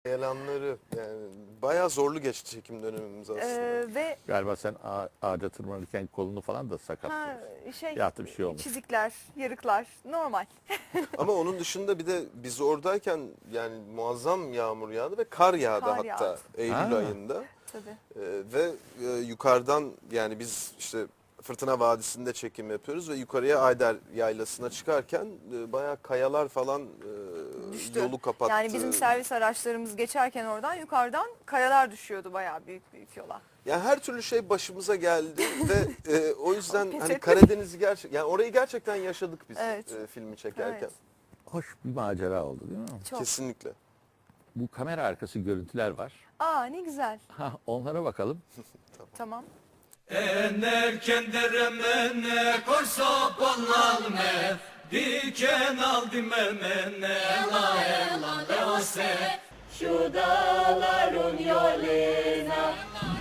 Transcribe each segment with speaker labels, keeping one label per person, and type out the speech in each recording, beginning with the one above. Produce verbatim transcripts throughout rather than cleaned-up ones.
Speaker 1: Yalanları yani bayağı zorlu geçti çekim dönemimiz aslında.
Speaker 2: Ee, ve
Speaker 3: Galiba sen ağa- ağaca tırmanırken kolunu falan da
Speaker 2: ha,
Speaker 3: sakatladın.
Speaker 2: şey
Speaker 3: Ya da bir şey olmuş.
Speaker 2: çizikler, yarıklar normal.
Speaker 1: Ama onun dışında bir de biz oradayken yani muazzam yağmur yağdı ve kar yağdı
Speaker 2: Kar
Speaker 1: hatta
Speaker 2: yağdı.
Speaker 1: Eylül
Speaker 3: Ha.
Speaker 1: ayında.
Speaker 2: Tabii.
Speaker 1: Ee, ve e, yukarıdan yani biz işte Fırtına Vadisi'nde çekim yapıyoruz ve yukarıya Ayder Yaylası'na çıkarken e, bayağı kayalar falan e,
Speaker 2: Düştü.
Speaker 1: yolu kapattı.
Speaker 2: Yani bizim servis araçlarımız geçerken oradan yukarıdan kayalar düşüyordu bayağı büyük büyük yola.
Speaker 1: Yani her türlü şey başımıza geldi ve e, o yüzden
Speaker 2: Pes
Speaker 1: hani
Speaker 2: ettik.
Speaker 1: Karadeniz'i gerçek yani orayı gerçekten yaşadık biz
Speaker 2: Evet.
Speaker 1: e, filmi çekerken.
Speaker 2: Evet.
Speaker 3: Hoş bir macera oldu değil mi?
Speaker 2: Çok.
Speaker 1: Kesinlikle.
Speaker 3: Bu kamera arkası görüntüler var.
Speaker 2: Aa ne güzel.
Speaker 3: Ha, onlara bakalım.
Speaker 2: Tamam.
Speaker 4: Enerken deremene korsa ballalme diken aldı memene la ela leose şu dağların yoluna.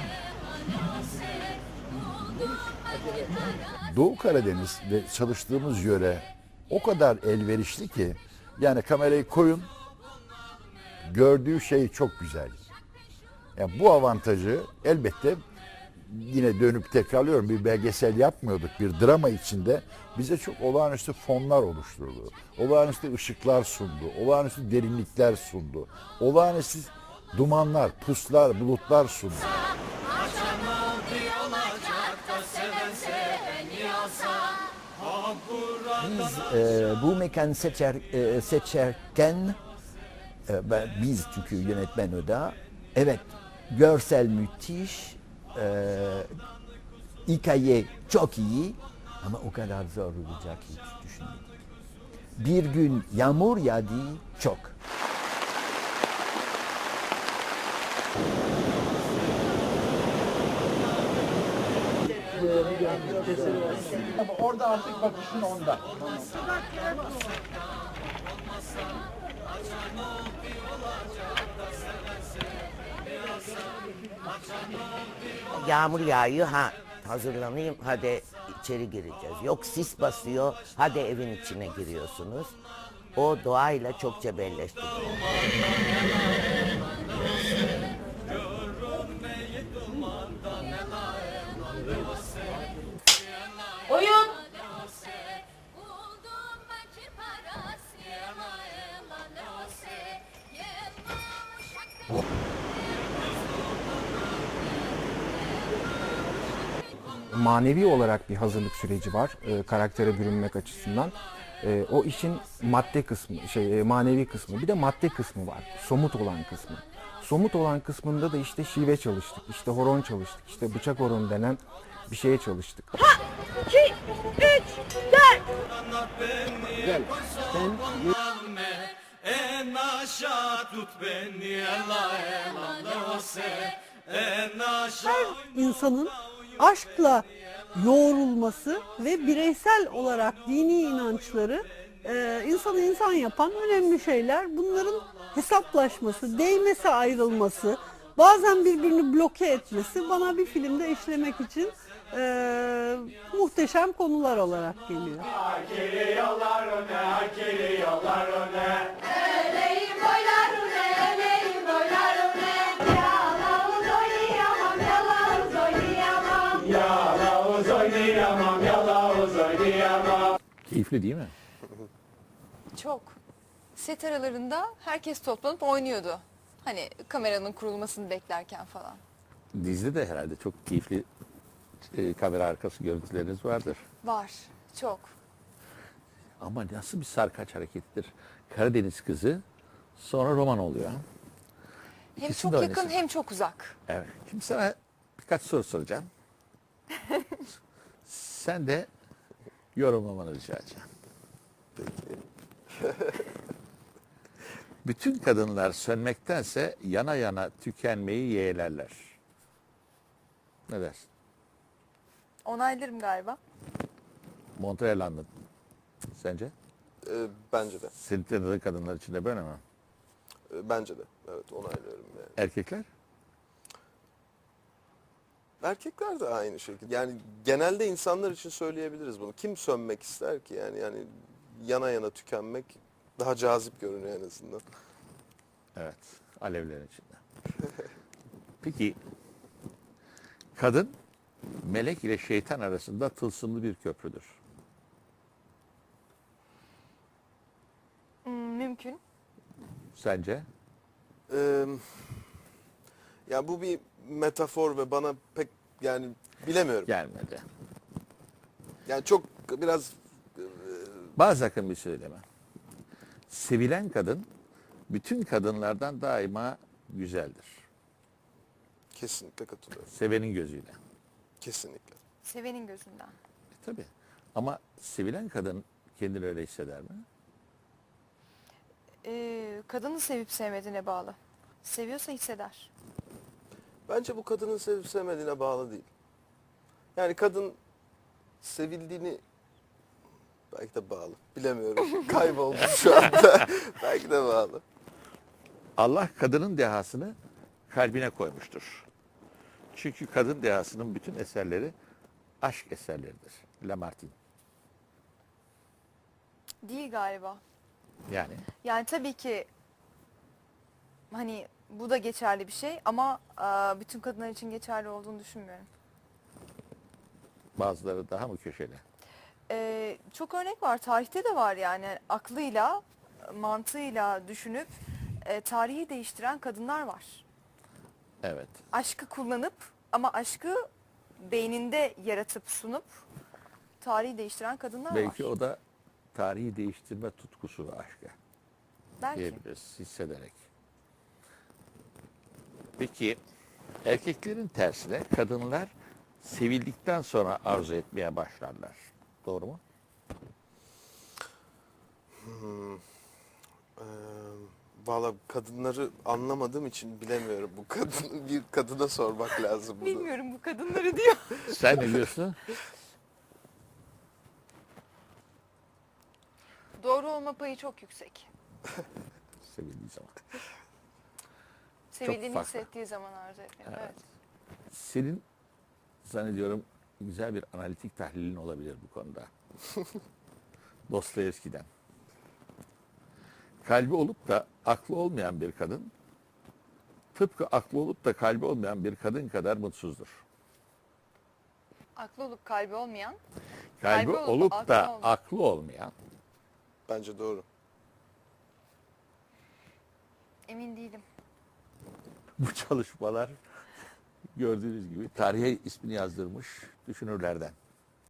Speaker 5: Doğu Karadeniz ve çalıştığımız yöre o kadar elverişli ki yani kamerayı koyun gördüğü şey çok güzel. Yani bu avantajı elbette yine dönüp tekrarlıyorum bir belgesel yapmıyorduk bir drama içinde bize çok olağanüstü fonlar oluşturdu. Olağanüstü ışıklar sundu. Olağanüstü derinlikler sundu. Olağanüstü dumanlar, puslar, bulutlar sundu.
Speaker 6: Biz e, bu mekan seçer, e, seçerken e, ben, biz çünkü yönetmen o da evet görsel müthiş e, hikaye çok iyi ama o kadar zor olacak hiç düşünmedik. Bir gün yağmur yağdı çok.
Speaker 5: Ama orada artık bakışın onda.
Speaker 7: Yağmur yağıyor, ha hazırlanayım, hadi içeri gireceğiz. Yok sis basıyor, hadi evin içine giriyorsunuz. O doğayla çok cebelleşti.
Speaker 8: Oyun.
Speaker 9: Manevi olarak bir hazırlık süreci var e, karaktere bürünmek açısından. E, o işin madde kısmı, şey e, manevi kısmı, bir de madde kısmı var. Somut olan kısmı. Somut olan kısmında da işte şive çalıştık, işte horon çalıştık, işte bıçak horon denen bir şeye çalıştık.
Speaker 8: iki, üç, dört.
Speaker 4: Gel. En aşağı tut beni la ela leose en aşağı.
Speaker 10: İnsanın aşkla yoğrulması ve bireysel olarak dini inançları e, insanı insan yapan önemli şeyler. Bunların hesaplaşması, değmesi, ayrılması, bazen birbirini bloke etmesi bana bir filmde işlemek için e, muhteşem konular olarak geliyor.
Speaker 4: Geliyorlar öne, geliyorlar öne.
Speaker 8: Öleyim boylar öne, öleyim boylar öne. Yalavuz oynayamam, yalavuz oynayamam.
Speaker 4: Yalavuz oynayamam, yalavuz oynayamam.
Speaker 3: Keyifli değil mi?
Speaker 2: Çok. Set aralarında herkes toplanıp oynuyordu. Hani kameranın kurulmasını beklerken falan.
Speaker 3: Dizide de herhalde çok keyifli e, kamera arkası görüntüleriniz vardır.
Speaker 2: Var. Çok.
Speaker 3: Ama nasıl bir sarkaç harekettir. Karadeniz kızı sonra roman oluyor.
Speaker 2: Hem
Speaker 3: İkisini
Speaker 2: çok
Speaker 3: de
Speaker 2: yakın
Speaker 3: oynasın.
Speaker 2: hem çok uzak.
Speaker 3: Evet. Şimdi sana birkaç soru soracağım. Sen de yorumlamanı rica edeceğim. Bütün kadınlar sönmektense yana yana tükenmeyi yeğlerler. Ne dersin?
Speaker 2: Onaylarım galiba.
Speaker 3: Montreal anladın. Sence?
Speaker 1: Ee, bence de.
Speaker 3: Senin tanıdığın kadınlar için de böyle mi?
Speaker 1: Ee, bence de. Evet onaylıyorum yani.
Speaker 3: Erkekler?
Speaker 1: Erkekler de aynı şekilde. Yani genelde insanlar için söyleyebiliriz bunu. Kim sönmek ister ki yani yani yana yana tükenmek daha cazip görünüyor en azından.
Speaker 3: Evet. Alevlerin içinde. Peki kadın melek ile şeytan arasında tılsımlı bir köprüdür.
Speaker 2: Hmm, mümkün.
Speaker 3: Sence?
Speaker 1: Ee, ya bu bir metafor ve bana pek yani bilemiyorum.
Speaker 3: Gelmedi.
Speaker 1: Yani çok biraz
Speaker 3: Bazı akım bir söyleme. Sevilen kadın bütün kadınlardan daima güzeldir.
Speaker 1: kesinlikle katılıyorum.
Speaker 3: Sevenin gözüyle.
Speaker 1: Kesinlikle.
Speaker 2: Sevenin gözünden.
Speaker 3: E, tabii. Ama sevilen kadın kendini öyle hisseder mi?
Speaker 2: Ee, kadını sevip sevmediğine bağlı. Seviyorsa hisseder.
Speaker 1: Bence bu kadının sevip sevmediğine bağlı değil. Yani kadın sevildiğini belki de bağlı. Bilemiyorum. Kayboldum şu anda. Belki de bağlı.
Speaker 3: Allah kadının dehasını kalbine koymuştur. Çünkü kadın dehasının bütün eserleri aşk eserleridir. Lamartine.
Speaker 2: Değil galiba.
Speaker 3: Yani
Speaker 2: Yani tabii ki hani bu da geçerli bir şey ama e, bütün kadınlar için geçerli olduğunu düşünmüyorum.
Speaker 3: bazıları daha mı köşeli?
Speaker 2: Ee, çok örnek var. Tarihte de var yani. Aklıyla, mantığıyla düşünüp e, tarihi değiştiren kadınlar var.
Speaker 3: Evet.
Speaker 2: Aşkı kullanıp ama aşkı beyninde yaratıp sunup tarihi değiştiren kadınlar
Speaker 3: Belki
Speaker 2: var.
Speaker 3: o da tarihi değiştirme tutkusu ve aşkı
Speaker 2: Belki.
Speaker 3: diyebiliriz hissederek. Peki erkeklerin tersine kadınlar sevildikten sonra arzu etmeye başlarlar. Doğru mu?
Speaker 1: Hmm. Ee, Valla kadınları anlamadığım için bilemiyorum. Bu kadın bir kadına sormak lazım bunu.
Speaker 2: Bilmiyorum bu kadınları diyor.
Speaker 3: Sen ne diyorsun?
Speaker 2: Doğru olma payı çok yüksek.
Speaker 3: Sevildiği zaman.
Speaker 2: Sevildiğini
Speaker 3: farklı.
Speaker 2: hissettiği zaman arzu etmiyor.
Speaker 3: Evet.
Speaker 2: Evet.
Speaker 3: Senin zannediyorum güzel bir analitik tahlilin olabilir bu konuda. Dostoyevski'den. Kalbi olup da aklı olmayan bir kadın, tıpkı aklı olup da kalbi olmayan bir kadın kadar mutsuzdur.
Speaker 2: Aklı olup kalbi olmayan.
Speaker 3: Kalbi,
Speaker 2: Kalbi olup
Speaker 3: olup
Speaker 2: aklı
Speaker 3: da
Speaker 2: olmayan.
Speaker 3: aklı olmayan,
Speaker 1: Bence doğru.
Speaker 2: Emin değilim.
Speaker 3: bu çalışmalar gördüğünüz gibi tarihe ismini yazdırmış düşünürlerden.